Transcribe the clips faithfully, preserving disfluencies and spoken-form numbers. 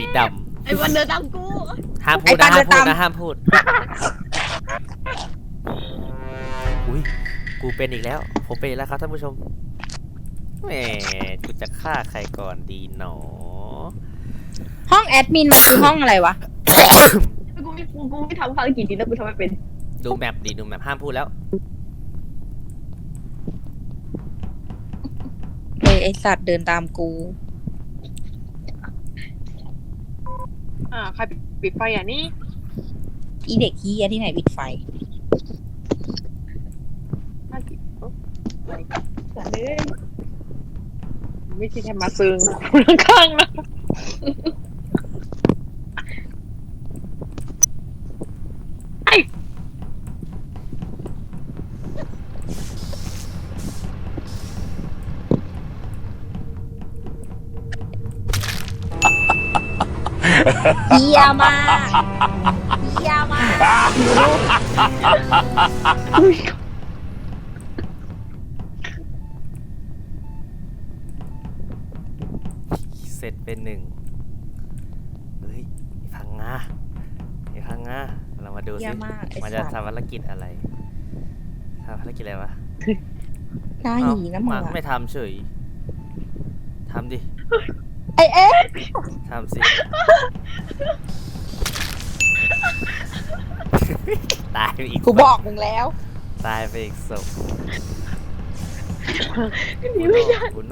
ดไอ้วันเดินตามกูำห้ามพูดนะห้ามพูดนะห้ามพูดอุ้ยกูเป็นอีกแล้วผมเป็นอีกแล้วครับท่านผู้ชมแหมกูจะฆ่าใครก่อนดีหนอห้องแอดมินมันคือห้องอะไรวะกูไม่กูกูไม่ทำภารกิจนี้แล้วกูทำไม่เป็นดูแมปดิดูแมปห้ามพูดแล้วเฮ้ยไอสัตว์เดินตามกูอ่าใครปิดไฟอ่ะนี่อีเด็กเฮียที่ไหนปิดไฟน่าปิดโอ๊ะสัตว์เลยไม่ใช่แค่มาซึงข้างๆนะไอ้เฮียมากเฮียมากเสร็จเป็นหนึ่งเฮ้ยพังงาไอ้พังงาเรามาดูเฮีสิยมากไอมันจะสัตว์ทำภารกิจอะไรทำภารกิจอะไรวะหน้าเอ้าหีนะมึงมันอะไม่ทำเฉยทำดิไอเอ๊ะทำสิ ตายไปอีกกูบอกมึงแล้วตายไปอีกศพหนีไม่ได้บุโน่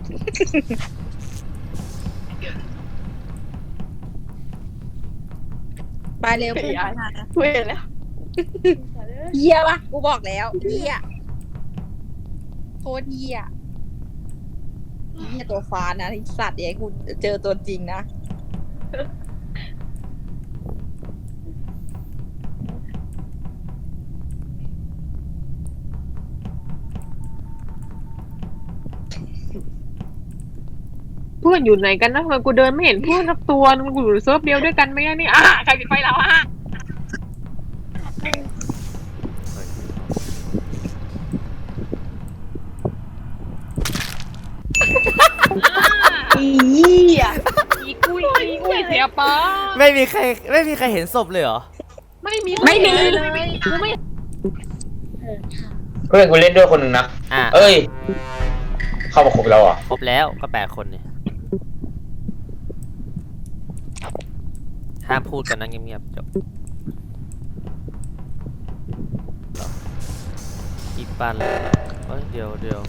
ไปเร็วพูดมากูเห็นแล้วเฮียปะกูบอกแล้วเฮียโคตรเฮียเฮียตัวฟ้านะไอสัตว์เดี๋ยวให้กูเจอตัวจริงนะเพื่อนอยู่ไหนกันนะทำไมกูเดินไม่เห็นเพื่อนสักตัวนึงกูอยู่เซิร์ฟเดียวด้วยกันไหมอะนี่อ่ะใครปิดไฟเราอ่ะอีเหี้ยอีกุ้ยอีกุ้ยเสียป้าไม่มีใครไม่มีใครเห็นศพเลยเหรอไม่มีไม่มีเลยกูไม่เพื่อนกูเล่นด้วยคนหนึ่งนะอ่ะเอ้ย เข้ามาครบแล้วอ่ะครบแล้วก็แปดคนเนี่ยห้ามพูดกันนะเงียบๆจบอีปันเลยเอ้ยเดี๋ยวเดี๋ยว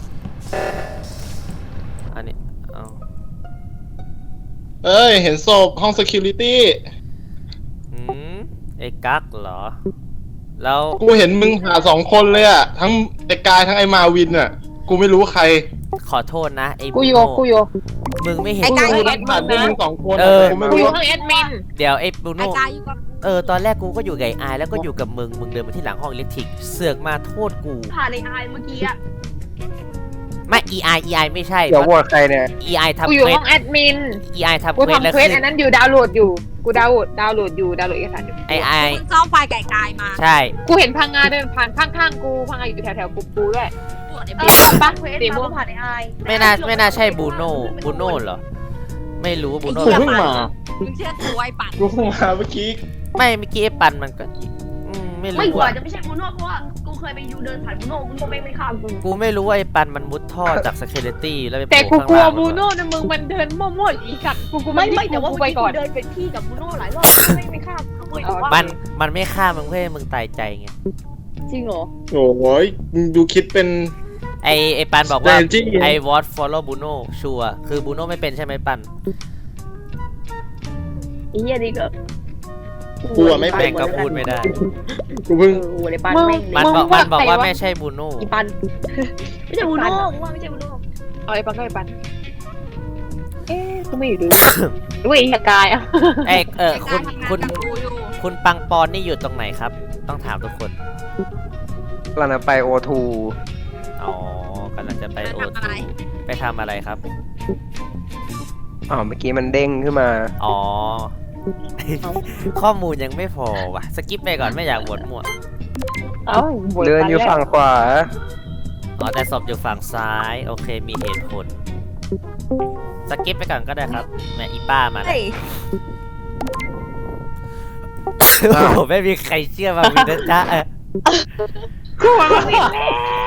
อันนี้เอาเอ้ย เห็นศพห้อง security หืมไอ้กั๊กเหรอ แล้วกูเห็นมึงหาสองคนเลยอ่ะ ทั้งไอ้กายทั้งไอ้มาวินอ่ะ กูไม่รู้ใครขอโทษนะไอ้กูบูโยโน่กูโยมึงไม่เห็นไอ้กายกูรักผ่านพวกมึงสองคนเออะอกูไม่กูรู้อยู่ห้องแอดมินเดี๋ยวไอ้บูไอโน่กายอยู่กับเออตอนแรกกูก็อยู่กับไอ้อายแล้วก็อยู่กับมึงมึงเดินมาที่หลังห้องอิเล็กทริกเสือกมาโทษกูผ่านในไอเมื่อกี้อะไม่ อี ไอ อี ไอ ไม่ใช่เดี๋ยวโหวตใครเนี่ยอี ไอ ทำกูอเควยู่สห้องแอดมินอี ไอ ทำกูเควสแล้วทำเควสขึ้อันนนั้นอยู่ดาวน์โหลดอยู่ กูดาวน์โหลดดาวน์โหลดอยู่ดาวน์โหลดเอกสารอยู่ไอ้ไอมึงซ่อมไฟไก่กายมาใช่กูเห็นพังงาเดินผ่านข้างๆกูพังงาอยู่แถวๆกูกูด้วยตรวจในเอบ้านอปะเควสสีม่มาวงผ่านในไอไม่น่าไม่น่าใช่บูโน่บูโน่เหรอไม่รู้บูโน่กูเพิ่งมามึงเชื่อกูไอ้ปั่นกูเพิ่งมาเมื่อกี้ไม่เมื่อกี้ไอ้ปันมันก็อืมไม่ไม่รู้กว่าอ่ะจะไม่ใช่บูโน่เพราะว่ากูเคยไปยูเดินผ่านบูโน่บูโน่ไม่ไม่ข้ามกูกูไม่รู้ว่าไอ้ปันมันมุดท่อจากสเคเลตี้แล้วไปโผแต่ล่กูข้างกลัวล่างบูโน่นะมึงมันเดินมั่วๆอีสัตว์กูกูไม่ไม่ไม่แต่ว่ากูเมื่อไปกี้ก่กูอนเดินเป็นที่กับบูโน่หลายรอบไม่ไม่ข้ามกูเลยว่ามันมันไม่ฆ่ามึงเพื่อให้มึงตายใจไงจริงเหรอโอ้ยมึงดูคิดเป็นไอไอปันบอกว่าแต่จริงๆไอวอตฟอลโล่บูโน่ชัวร์คือบูโน่ไม่เป็นใช่ไหมปันไอ้เหี้ยนี่ก็กูอะไม่แม่งก็พูดไม่ได้กูเอเพิ่งอโอ้เลยปันมึงแม่งมันเลยบอกมันบอกว่าไม่ใช่บูโน่อีปันไม่ใช่บูโน่กูว่าไม่ใช่บูโน่เอาไอ้ปังก็ไอ้ปันเอ๊ะกูไม่อยู่ดูด้วยไอ้กายอ่ะไอยเออไอ้คุกายณทำงานคุณกับกูอยู่คุณปังปอนนี่อยู่ตรงไหนครับ ต้องถามทุกคนกำลังไปโอทูอ๋อกำลังจะไปโอทูไปทำอะไรครับอ๋อเมื่อกี้มันเด้งขึ้นมาอ๋อ ข้อมูลยังไม่พอว่ะ สกิปไปก่อนไม่อยากบวดมั่วเอ้าเดินอยู่ฝั่งขวาอ๋อแต่ศพอยู่ฝั่งซ้าย โอเคมีเหตุผล สกิปไปก่อนก็ได้ครับแหม่อีป้ามาแล้วเฮ้ยโอ้โหไม่มีใครเชื่อมาวินนะจ๊ะเออกูว่ามันผิดแล้ว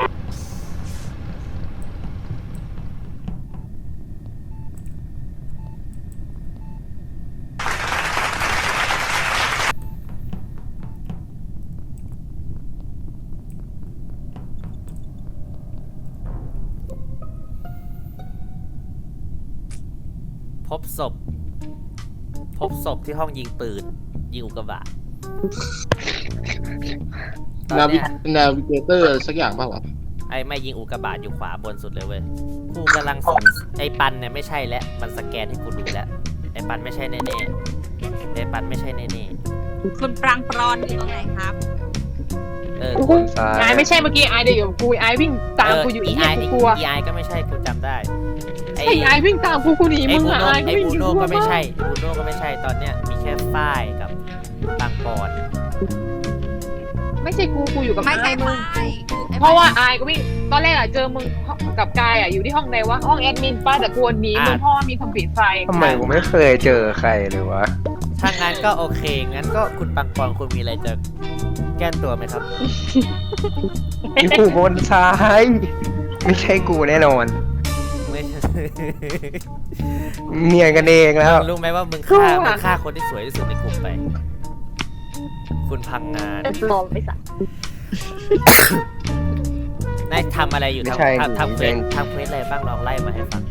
พบศพ พบศพที่ห้องยิงปืน ยิงอุกกาบาตตอนนาวิเนี้ยนาวิเกเตอร์สักอย่างเปล่าวะไอ้ไม่ยิงอุกกาบาตอยู่ขวาบนสุดเลยเว้ยกูกำลังสงสไอ้ปันเนี่ยไม่ใช่แล้วมันสแกนให้กูดูแล้วไอ้ปันไม่ใช่แน่ๆไอ้ปันไม่ใช่แน่คุณปรางปรอนอยู่ตรงไหนครับๆเออคนซ้ายไอ้ไม่ใช่เมื่อกี้ไอ้เดี๋ยวอยู่กับกูไอ้วิ่งตามกูอยู่อีไอเนี่ยไอกูกลัวไอก็ไม่ใช่กูจำได้ไอไอ้ไอ้วิ่งตามกูกูหนีไอมึงบูอะโน่ไอ้ไอวิ่งบูอยู่โน่กลัวก็ไม่มากใช่บูโน่ก็ไม่ใช่ตอนเนี้ยมีแค่ฝ้ายกับบางปอนไม่ใช่กูกูอยู่กับไม่ใช่มึงไม่เพราะว่าไอ้ก็วิ่งตอนแรกอะเจอมึงกับกายอะอยู่ที่ห้องใดวะห้องแอดมินป้าแต่กวนหนีมึงเพราะว่ามีคนปิดไฟทำไมกูไม่เคยเจอใครเลยวะถ้างั้นก็โอเคงั้นก็คุณบางปอนคุณมีอะไรจะแก้ตัวไหมครับอยู่บนซ้าย ไม่ใช่กูแน่นอนไม่ใช่เนียนกันเองแล้วรู้ไหมว่ามึงฆ่ามึงฆ่าคนที่สวยที่สุดในกลุ่มไป คุณพังงานปลอมไปสักนายทำอะไรอยู่ไม่ใช่ทำทำทำเควเป็สนทำเควสอะไรบ้างลองไล่มาให้ฟัง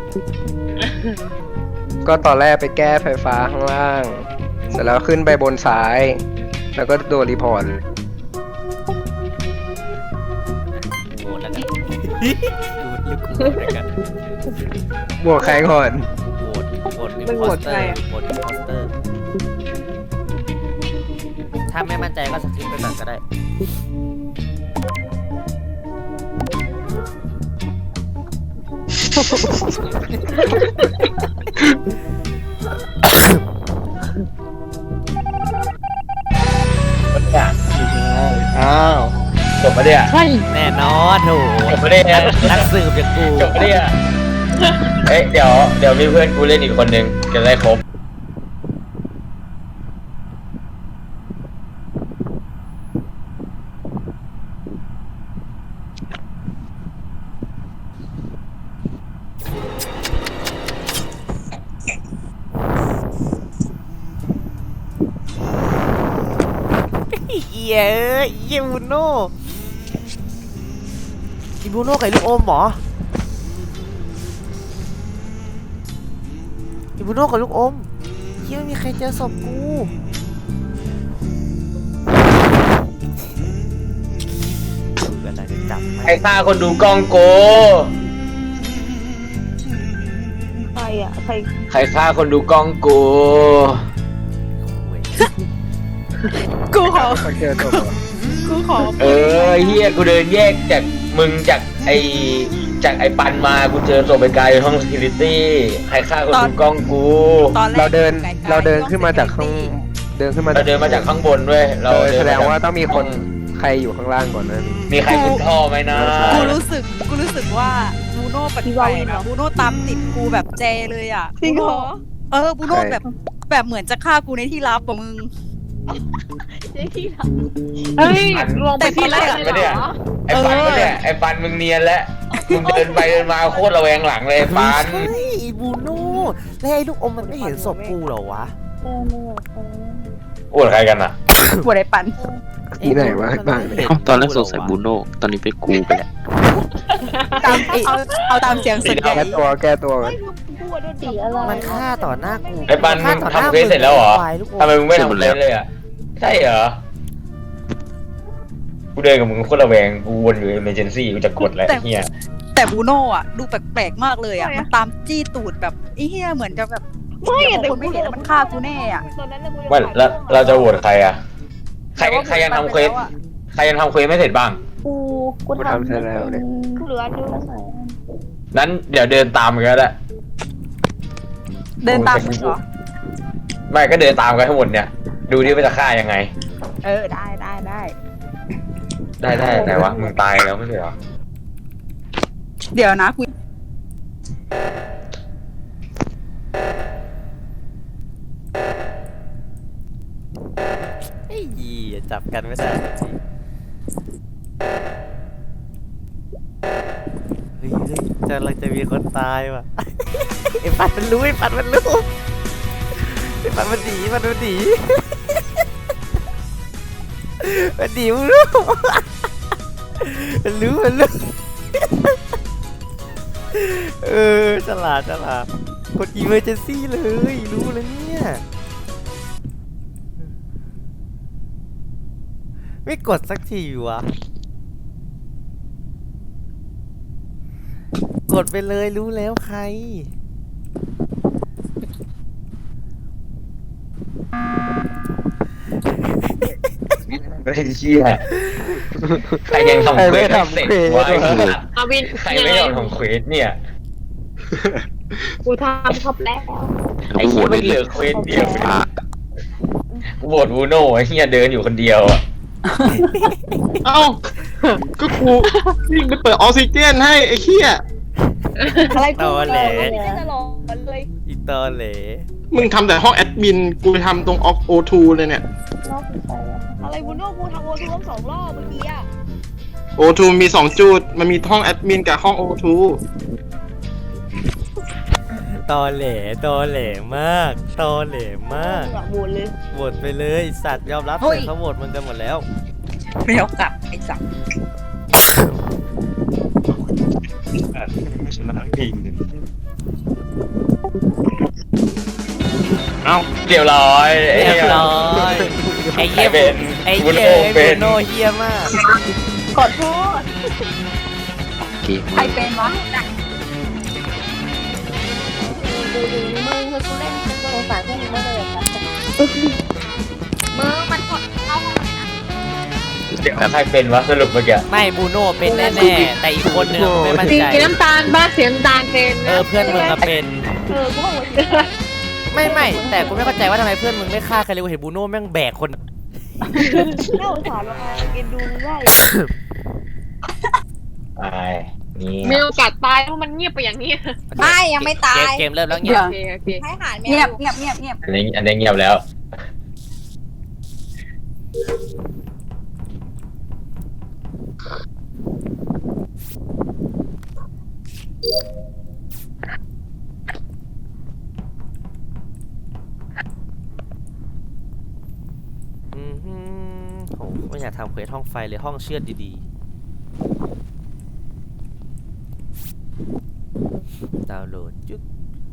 ก็ตอนแรกไปแก้ไฟฟ้าข้างล่าง เสร็จแล้วขึ้นไปบนซ้าย แล้วก็โดนรีพอร์ตโหวตแล้วกัน ดูลึกกูโหวตแล้วกันบวกใครก่อนโหวตโหวตอิมมึงโพโหวสตเตใคอรร์อะโหวตอิมโพสเตอร์ ถ้าไม่มั่นใจก็สกิปไปก่อนก็ได้เนี่ยอ้าวจบมาเนี่ยใช่แน่นอนโถจบมาเนี่ยนักสืบอย่างกูจบมาเนี่ยเอ้ยเดี๋ยวเดี๋ยวมีเพื่อนกูเล่นอีกคนนึงจะได้ครบเหี้ยเอ้ยเหี้ยบูโน่อีบูโน่ไก่ลูกอมเหรออีบูโน่กับลูกอมเหี้ยไม่มีใครเจอศพกูดูกันนะจะจับไหมใครฆ่าคนดูกล้องโกใครอ่ะใครใครฆ่าคนดูกล้องโกเว้ยกูขอเจอตัวกูขอเออเฮียกูเดินแยกจากมึงจากไอจากไอปันมากูเจอศพไปไกลห้อง security ใครฆ่าคนดูกล้องกูตอนแรกเราเดินไกลๆเราเดินขึ้นมาจากข้าง เดินขึ้นมาเราเดินมาจากข้างบนด้วยเราเออเนแสดงมจกว่าต้องมีคนใครอยู่ข้างล่างก่อนนั้นมีใครขึ้นท่อไหมนะกูรู้สึกกูรู้สึกว่าบูโน่แปลกๆอะบูโน่ตามติดกูแบบเจเลยอ่ะจริงเหรอเออบูโน่แบบแบบเหมือนจะฆ่ากูในที่ลับกับมึงเจ๊ขี้หลังเฮ้ยลวงไปที่แรกไม่เลยเนี่ยเหรอไอปันเออก็เนี่ยไอปันมึงเนียนแล้วมึงเดินไปเดินมาโคตรระแวงหลังเลยไอ้ปันไม่ใช่อีบูโน่แล้วไอ้ลูกอมมันไม่เห็นศพกูเหรอวะอวดใครกันอ่ะกูได้ปันที่ไหนวะบ้างมัไม่เห็เอ้าตอนแรกสงสัยบูโน่ตอนนี้เป็นกูไปแล้วตามเอาเอาตามเสียงส่วนใหญ่แก้ตัวแก้ตัวก่อนกูโดนสีอะไรมันฆ่าต่อหน้ากูไอ้ปันฆ่าต่อหน้ามึงทำเควสเสร็จแล้วเหรอควายลูกอมทำไมมึงไม่ทำเลยเลยอ่ะใช่เหรอกูเดินกับมึงโคตรระแวงกูวนอยู่ emergency กูจะกดแล้วไอ้เฮียแต่บูโน่อะดูแปลกๆมากเลยอะมันตามจี้ตูดแบบไอ้เหี้ยเหมือนจะแบบไม่เดี๋ยวแต่คนไม่เห็นแล้วมันฆ่ากูแน่อะตอนนั้นกูว่าแล้วเราจะโหวตใครอ่ะใครใครยังทำเควสใครยังทำเควสไม่เสร็จบ้างกูกูกูทำเสร็จแล้วเนี่ยกูเหลืออันเดียวแล้วใส่นั้นเดี๋ยวเดินตามกันก็ได้เดินตามมึงเหรอไม่ก็เดินตามกันทั้งหมดเนี่ย ดูดิว่าจะฆ่ายังไงเออได้ได้ได้ได้ได้ไหนวะมึงตายแล้วไม่ใช่เหรอเดี๋ยวนะกูจับกันไม่ได้สักทีเฮ้ยเฮ้ยจะเราจะมีคนตายว่ะ ไอ้ปัดมันรู้ไอ้ปัดมันรู้ไอ้ปัดมันหนีมันมันหนีมันหนีมึงรู้ มันรู้มันรู้ เออฉลาดฉลาดกด emergency เลยรู้แล้วเนี่ยไม่กดสักทีวะกดไปเลยรู้แล้วใครไม่เชี่ยใครยังทำเควสไม่เสร็จวะไอ้สัสอาวินใครไม่ยอมทำเควสเนี่ยกูทำครบแล้วไอ้เหี้ยไม่เหลือเควสเดียวกูโหวตบูโน่ไอ้เหี้ยเดินอยู่คนเดียวอ่ะเอ้า ก็กูวิ่งไปเปิดออกซิเจนให้ไอ้เหี้ยอะไรกูตอแหลไม่ได้จะรอเลยอีตอเหลมึงทำแต่ห้องแอดมิน กูไปทำตรงออกโอทูเลยเนี่ยอะไรบุญโน่กูทำโอทูทั้งสองรอบเมื่อกี้อะโอทูมีสองจุด มันมีห้องแอดมินกับห้องโอทูตอแหลตอแหลมากตอแหลมากอะโหวตเลยโหวตไปเลยไอ้สัตว์ยอมรับเลยเขาโหวตมึงกันหมดแล้วไม่เอากลับไอ้สัตว์เอ้าเรียบร้อยไอ้เรีเหี้ยยบร้อยไอ้เหี้ยใครเป็นไอ้บูเหี้ยโน่ไอ้เป็บูนโนเหี้ยมากขอโทษโอเคใครเป็นวะดูดูมึงคือกูเล่นกูสงสารพวกมึงมากเลยครับมึงมันกดเข้าห้องไหนนะเดี๋ยวใครเป็นวะสรุปเมื่อกี้ไม่บูโน่เป็นแน่ๆแต่อีกคนนึงไม่มั่นสีใจน้ำตาลบ้าเสียน้ำตาลเป็นเออเพื่อนมึงก็เป็นเออกูบอกว่าไม่ไม่แต่กูไม่เข้าใจว่าทำไมเพื่อนมึงไม่ฆ่าใครเลยกูเห็นบูโน่แม่งแบกคนน่าสงสารมากเอ็นดูมึงได้ตายนี่มีโอกาสตายเพราะมันเงียบไปอย่างนี้ไม่ยังไม่ตาเกมยเกมเริ่มแล้วเงียโอบ เคโอเคให้หารแมวเงียบเงียบเงียบเงียบอันนี้อันนี้เงียบแล้วอือหือโหไม่อยากทำเควสห้องไฟเลยห้องเชือดดีๆ ดาวน์โหลดจุ๊ก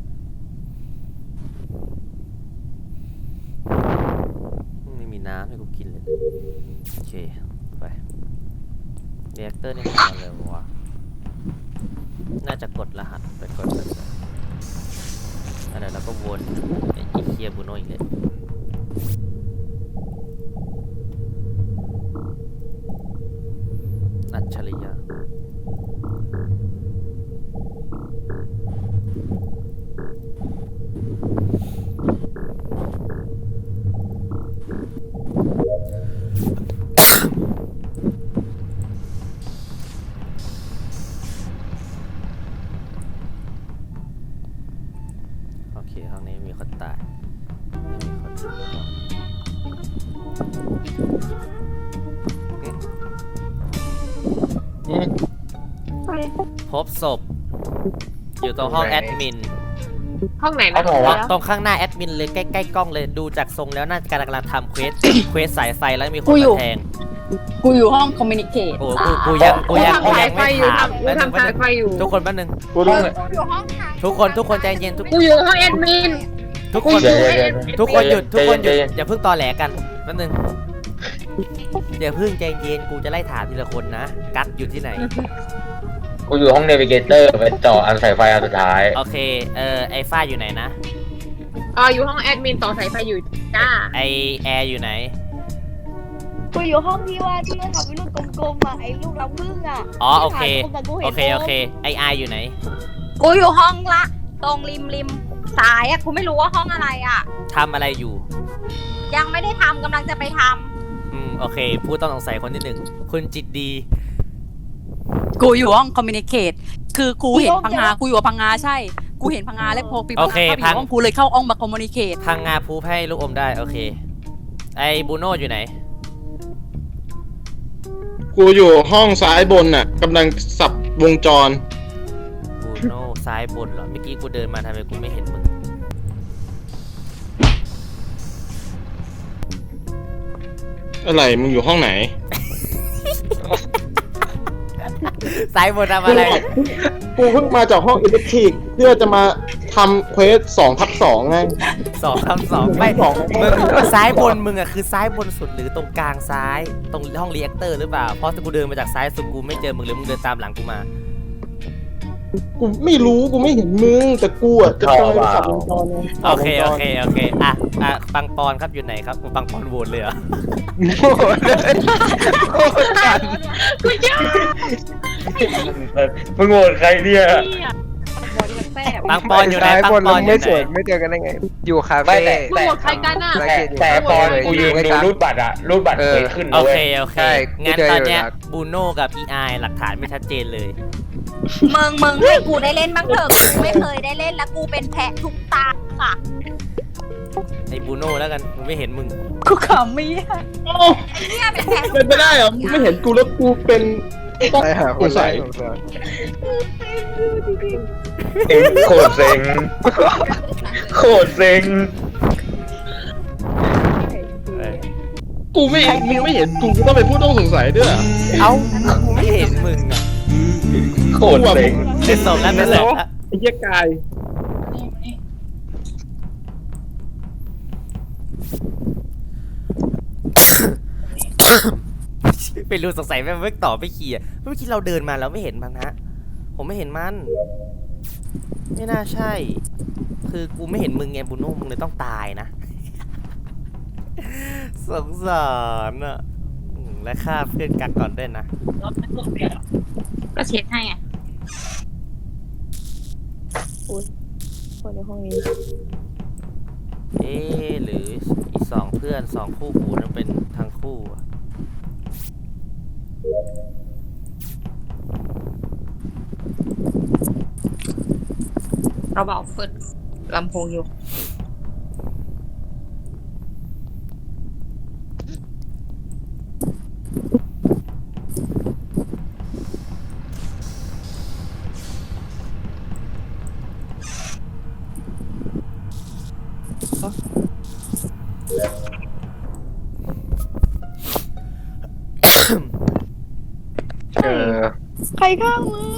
ไม่มีน้ำให้กูกินเลย โอเค ไปเรีแอคเตอร์นี่มันทำอะไรวะ น่าจะกดรหัสไปกดกันอะไรแล้วก็วนไอ้เคียบูโน่อีกเลยอัจฉริยะโอเคห้องนี้มีคนตายไม่มีคนตายอืมพบศพ อยู่ตรงห้องแอดมินห้องไหนนะห้องไหนวะตรงข้างหน้าแอดมินเลยใกล้ๆกล้องเลยดูจากทรงแล้วน่าจะกำลังทำเควส เควสสายไฟแล้วมีคนมาแทงกูอยู่ห้องคอมมิวนิเคตโอ้กูกูยังกูกูยังกูทำยัสาง ยไฟไม่อยู่ถามทำกูทำสายไฟอยู่ทุกคนแป๊บนึงกูรู้กูอยู่ห้องทางทุกคนทุกคนใจเย็นทุกกูอยู่ห้องแอดมินทุกคนเดี๋ยวเดี๋ยวทุกคนหยุดทุกคนหยุดใจเย็นอย่าเพิ่งตอแหลกันแป๊บนึงอย่าเพิ่งใจเย็นกูจะไล่ถามทีละคนนะกัดอยู่ที่ไหนกูอยู่ห้องเนวิเกเตอร์ไปต่ออันสายไฟอันสุดท้ายโอเคเออไอฟ้าอยู่ไหนนะอ่าอยู่ห้องแอดมินต่อสายไฟอยู่จ้าไอแอร์อยู่ไหนกูอยู่ห้องที่ว่าที่เราทำเป็นลูกกลมๆอ่ะไอ้ลูกรังผึ้งอ่ะอ๋อโอเคที่ถ่ายรูปะกูห็นโอเคโอเคไอไออยู่ไหนกูอยู่ห้องละ ตรงริมริมซ้ายอะกูไม่รู้ว่าห้องอะไรอะทำอะไรอยู่ยังไม่ได้ทำกำลังจะไปทอืมโอเคผู้ต้องสงสัยคนที่หนึ่งคุณจิตดีกูอยู่ห้องคอมมิวนิเคตคือกูเห็นพังงากูอยู่กับพังงาใช่ กูเห็นพังงาแล้วพอปีโอเคเข้าไปอพังยู่ห้องกูเลยเข้าห้องมาคอมมิวนิเคตพังงาพูให้ลูกอมได้โอเค ไอบูโน่อยู่ไหนกกูอยู่ห้องซ้ายบนน่ะกำลังสับวงจรบูโน่ซ้ายบนเหรอ เมื่อกี้กูเดินมาทำไมกูไม่เห็นมึงอะไรมึงอยู่ห้องไหนซ้ายบนทำอะไรกูเพิ่งมาจากห้องอิเล็กทริกเพื่อจะมาทำเควสสองทับสองไงสองทำสองไม่สองมึงซ้ายบนมึงอะคือซ้ายบนสุดหรือตรงกลางซ้ายตรงห้องรีแอคเตอร์หรือเปล่าเพราะกูเดินมาจากซ้ายสุดกูไม่เจอมึงเลยมึงเดินตามหลังกูมากูไม่รู้กูไม่เห็นมึงแต่กูอ่ะจะไปสับวงจรไงโอเคโอเคโอเคอ่ะอ่ะปังปอนครับอยู่ไหนครับปังปอนโหวตเลยเหรอโง่เลยโง่กันมึงโหวตใครเนี่ยปังปอนอยู่ไหนซ้ายปังบนปอนอไม่ยู่สไหวนนไม่เจอกันได้ไง อยู่คาไม่เฟ่แต่มึงหมดใครกันอ่ะสังแต่เกตอยู่แต่ปอนเลยกูยืนดูรูดบัตรอะรูดบัตรเคยขึ้นโอนะเว้เคยโอเคใช่งั้นกูเจอตอนอยู่เนี้ยหลักบูโน่กับอีไอหลักฐานไม่ชัดเจนเลยมึงมึงให้กูได้เล่นบ้างเถอะกูไม่เคยได้เล่นแล้วกูเป็นแพะทุกตาค่ะไอ้บูโน่แล้วกันกูไม่เห็นมึงกูขำไม่ได้โอ้ไอ้เนี่ยเป็นแพะเป็นไปได้เหรอมึงไม่เห็นกูแล้วกูเป็นต้องไปหาคกูนใส่ใส่สงสารเอ็งโคตรเซ็งโคตรเซ็งกูไม่เห็นมึงไม่เห็นกูกูต้องเป็นผู้ต้องสงสัยด้วยเหรอเอ้ากูไม่เห็นมึงอ่ะโคตรเซ็งเป็นศพแล้วเป็นศพแล้วไอ้เหี้ยกายไปรู้สงสัยแม่เมื่อต่อไปขี่อะเมื่อกี้เราเดินมาแล้วไม่เห็นมันฮะผมไม่เห็นมันไม่น่าใช่ คือกูไม่เห็นมึงไงบูโน่มึงเลยต้องตายนะ สงสารอ่ะอืมและฆ่าเพื่อนกันก่อนด้วยนะก็เช็ดให้ไงคนในห้องนี้เอ๊ะหรืออีสองเพื่อนสองคู่หูนั้นเป็นทั้งคู่อะเราเบาเปิดลำโพงอยู่เออใครข้างมึง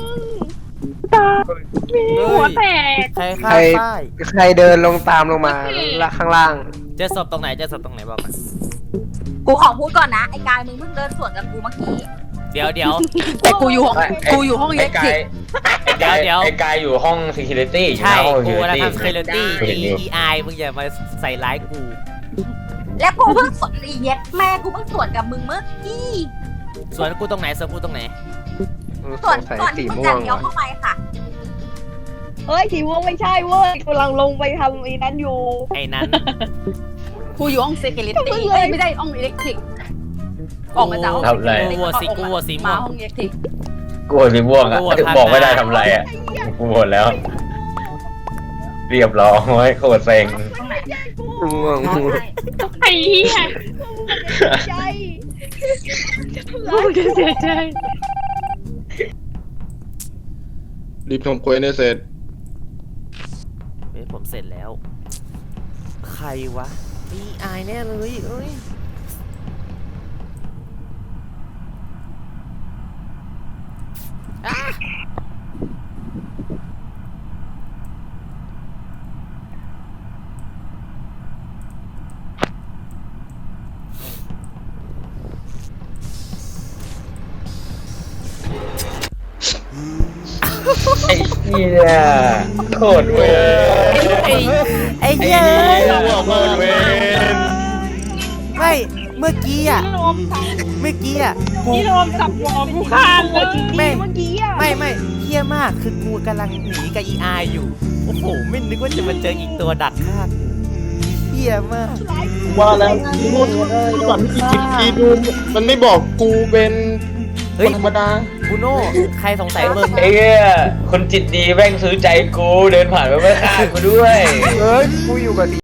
หัวแตกใครฆ่าใครป้ายใครเดินลงตามลงมาละข้างล่างเจอศพตรงไหนเจอศพตรงไหนบอกมากูขอพูดก่อนนะ ไอ้กายมึงเพิ่งเดินสวนกับกูเมื่อกี้เดี๋ยวเดี๋ยวแต่กูอยู่ห้องไอ้กูอยู่ห้องอิไอ้เล็กทการิยกไอ้กายเดี๋ยวไอ้กายอยู่ห้อง security อยู่ใช่นะห้องกูแล้ว security ทำ security เห็นอยู่อีไอมึงอย่ามาใส่ร้ายกูแล้วกูเพิ่งสวนอีเย็ดแม่กูเพิ่งสวนกับมึงเมื่อกี้ส่วนกูตรงไหนส่วนกูตรงไหนสวนใส่ก่อนสีที่มึงม่วจะงเลี้ยวเข้าไปค่ะเฮ้ยสีม่วงไม่ใช่เว้ยกำลังลงไปทำไอ้นั้นอยู่ไอ้นั้นกูอยู่ห้องเซคิลิตี้เอ้ยไม่ได้ห้องอิเล็กทริก ออกมาจากห้องทำอะไรกูวัวสีกูวัวสีม่มาวงห้องอิเล็กทริกกูโหวตสีม่วงอ่ะกูโหวตทางบอกไม่ได้ทำอะไรอ่ะกูโหวตแล้ว เรียบร้อยโคตรเซ็งม่วงไอ้เหี้ยใจกูจะเสียใจรีบทำเควสให้เสร็จเฮ้ยผมเสร็จแล้ว ใครวะอีไอแน่เลยเอ้ยอ่ะไอ้เหี้ยโคตรเวรไอ้ไอ้ไอ้เหี้ยเหี้ยโคตรเวรไม่เมื่อกี้อ่ะเมื่อกี้อ่ะกูนี่โดนจับหัวกูคานเลยไม่เมื่อกี้อ่ะไม่ไม่เฮี้ยมากคือกูกำลังหนีกับอีไออยู่โอ้โหไม่นึกว่าจะมาเจออีกตัวดักฆ่ากูเฮี้ยมากว่าแล้วกูก่อนที่จิตกีดูมันไม่บอกกูเป็นเฮ้คยนธรรมดาบูโน่ใครสงสัยมึงไอ้เหี้ยคนจิตดีแม่งซื้อใจกูเดินผ่านไปไม่ฆ่ากูด้วยเอ้ยกูอยู่กับ